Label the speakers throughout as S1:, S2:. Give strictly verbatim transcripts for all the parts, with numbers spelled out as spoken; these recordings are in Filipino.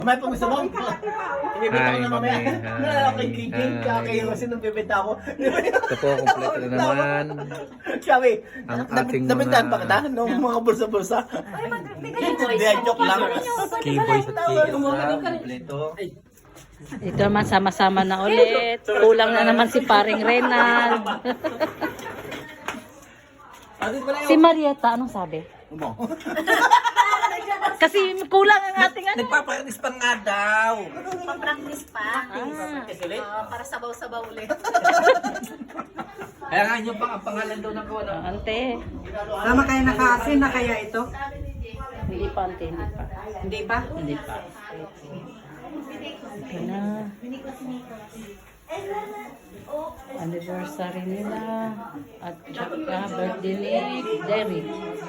S1: May pang gusto mo? Ibibenta ko na mamaya. Nalala kay K J, kaya kayo kasi nung bibenta ako.
S2: Ito po, kompleto na naman.
S1: Sabi,
S2: Ang ating
S1: nabintahan
S2: mga-
S1: pa kita nung mga bulsa-bulsa. Hindi, joke lang.
S2: Keyboys at keys na kompleto.
S3: Ito naman sama-sama na ulit. Kulang na naman si paring Renal. Si Marietta, anong sabi?
S1: Umo.
S3: Kasi kulang ang ating ano.
S2: Nagpapractice pa nga daw.
S4: Pa-practice pa.
S3: Ah.
S4: Ah, para sabaw-sabaw ulit.
S2: Kaya nga yun pa ang pangalan daw ng kawan.
S3: Ante.
S5: Tama kayo nakaasin na kaya ito?
S3: Hindi pa, ante. Hindi pa.
S5: Hindi pa?
S3: Hindi pa. Ito na. Anniversary nila. At saka birthday ni Derek.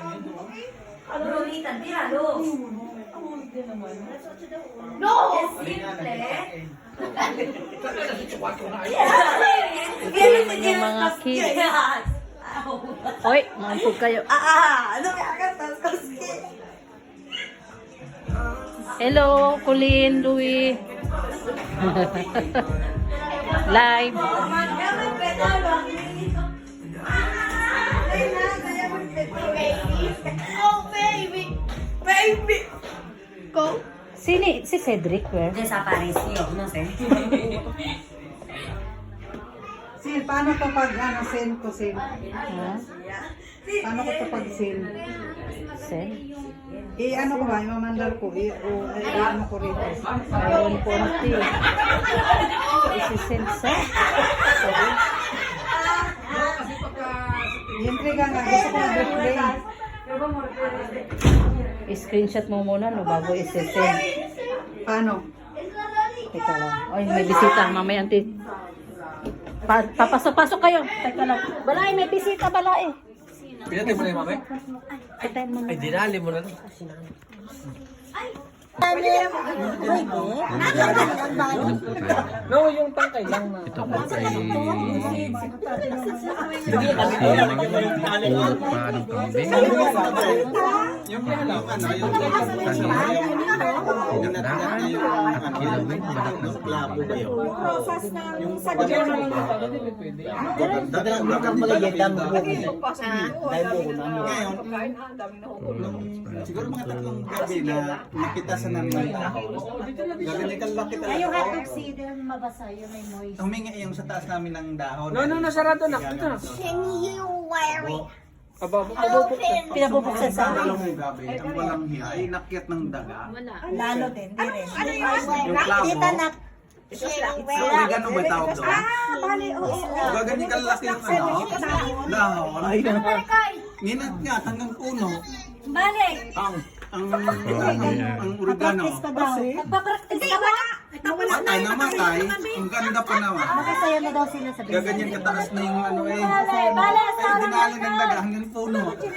S3: Ito naman yung mga kids. Hoy, mampog kayo.
S5: Ah! Ano kaya ka?
S3: Hello, Colleen, Louie. Live.
S4: Oh, baby!
S5: Baby! Ko?
S3: Sini, si Cedric, where?
S4: Desapareció, no sé.
S5: Sin, paano to pag ano, send ko sin?
S3: Ha?
S5: Paano ko to pag send?
S3: Send?
S5: I ano ko ba? Imamandal ko. I, o, i, ano ko rito.
S3: Ayun po natin. Isi-send sa? Sorry.
S5: Siyempre ka nga. Gusto ko mag-play.
S3: I-screenshot mo muna no bago isi-send.
S5: Paano?
S3: Teka lang. Ay, may bisita. Mamaya, auntie. Pa papasok-pasok kayo. Teka lang. Balay, may bisita, balay.
S2: Pinatay mo na yung mamay?
S3: Patay mo
S2: Ay,
S3: na.
S2: dinali mo na.
S1: No, yung tangkay lang na.
S2: Ito po ay ulot pa ng kambing.
S1: Yung ano, ano, yung
S2: Dinakdakan at kilawin balat ng kambing.
S1: Dagang dagang malayeta mo po. Dahil po ko na.
S6: Ngayon, siguro mga tatlong gabi na nakita sa namin ng tao. Gaganikan lang kita lang ako.
S4: Oxidon, mabasa yun, may moist.
S6: Humingi yung sa taas namin ng dahon.
S1: No, no, nasarado na. Ito na.
S4: Can you wear it?
S1: Aba, pabubuksan.
S3: Pinabubuksan sa akin.
S6: Ang gabi, ang walang hiya, ay nakyat ng daga.
S5: Lalo din. Di rin.
S4: Ano yung
S6: Yung klamo.
S4: Can you wear
S6: So, oregano ba tawag doon?
S5: Bali, oo.
S6: Gaganikan laki yung ano, dahon. Ninat nga hanggang puno.
S4: Balik!
S6: Ang ang ang, ang oregano.
S4: Magpa-practice ka ba?
S6: Matay na matay. Ang ganda pa naman.
S4: Makasaya na daw sila sa
S6: Gaganyan kataas na yung ano eh.
S4: Bale,
S6: Ay, dinali ng daga hanggang puno.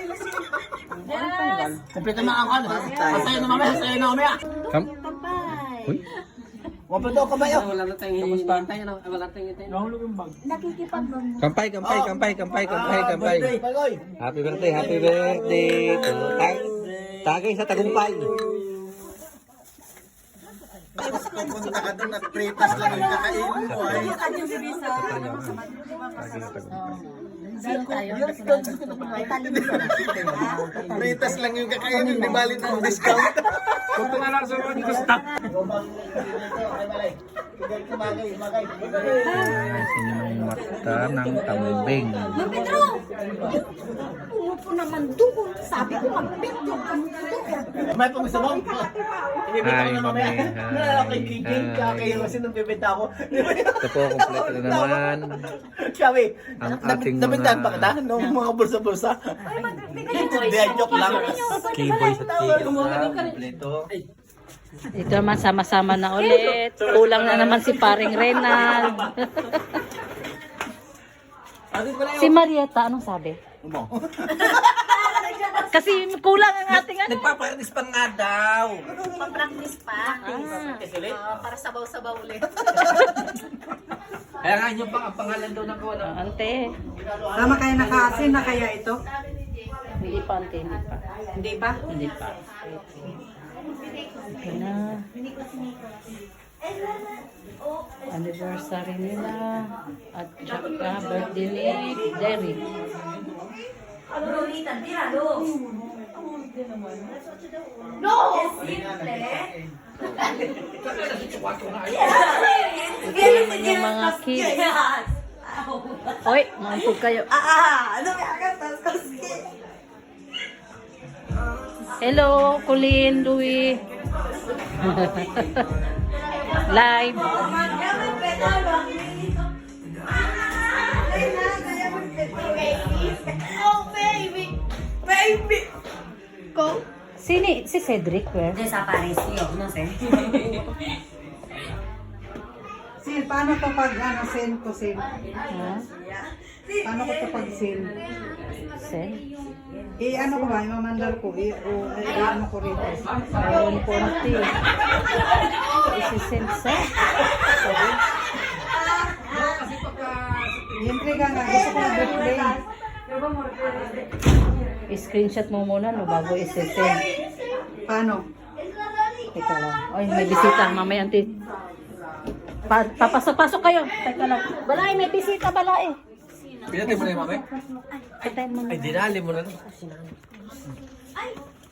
S1: Kompleto na ang ano. Masaya na mamaya, masaya na mamaya.
S2: Kam? Uy,
S1: Kompleto ka ba yun?
S2: kampay, kampay, kampay, kampay, kampay, kampay.
S1: Pagoy.
S2: Happy birthday, happy birthday. Tag tagay sa tagumpay.
S6: Tapos pupunta ka doon at pretas lang yung kakainin mo ay. Pretas lang yung kakainin, di bali ng discount.
S1: Punta na lang sa mga dito stop.
S2: Asin yung mata ng kambing.
S4: Pedro! Umupo naman doon. Sabi ko, mag-picture ka mo doon.
S1: May pang gusto mo? Ibibenta ko
S2: Hi,
S1: na mamaya.
S2: mami. Hi.
S1: Nalala kay K J, kaya
S2: Hi.
S1: kayo kasi nung bibenta ako.
S2: Ito po, kompleto na naman.
S1: Sabi,
S2: Ang ating
S1: nabintahan pa
S2: mga-
S1: kita nung mga bulsa-bulsa. Hindi, joke lang.
S2: Keyboys at keys na kompleto.
S3: Ito naman sama-sama na ulit. Kulang na naman si paring Renal. Si Marietta, anong sabi?
S1: Umo.
S3: Kasi kulang ang ating ano.
S2: Nagpapractice pa nga daw.
S4: Pa-practice pa.
S3: Ah.
S4: Ah, para sabaw-sabaw ulit.
S2: Kaya nga yun pa ang pangalan daw ng kawan.
S3: Ante.
S5: Tama kayo nakaasin na kaya ito?
S3: Hindi pa, ante. Hindi pa.
S5: Hindi pa?
S3: Hindi pa. Ito na. Anniversary nila. At saka birthday ni Derek. Ito naman yung mga kids. Hoy, mauntog kayo. Hello, Colleen, Louie. Live.
S4: Oh, baby! Baby! Go!
S3: Sini, si Cedric, where?
S5: Sil, paano to pag ano, send to send?
S3: Ha?
S5: Paano ko to pag send?
S3: Sen?
S5: Eh, ano ko ba? Imamandal ko. Eh, o, eh, ano ko rito.
S3: Ayun, konti. Isisend sa? Sorry.
S5: Intriga nga. Gusto ko mag-replay.
S3: I-screenshot mo muna, no, bago isisend.
S5: Paano?
S3: Teka lang. Ay, may bisita. Mamaya, auntie. Pa papasok-pasok kayo. Teka lang. Balay, may bisita, balay.
S2: Pinatay mo na yung mami?
S3: Patayin mo na.
S2: Ay, dinali mo na.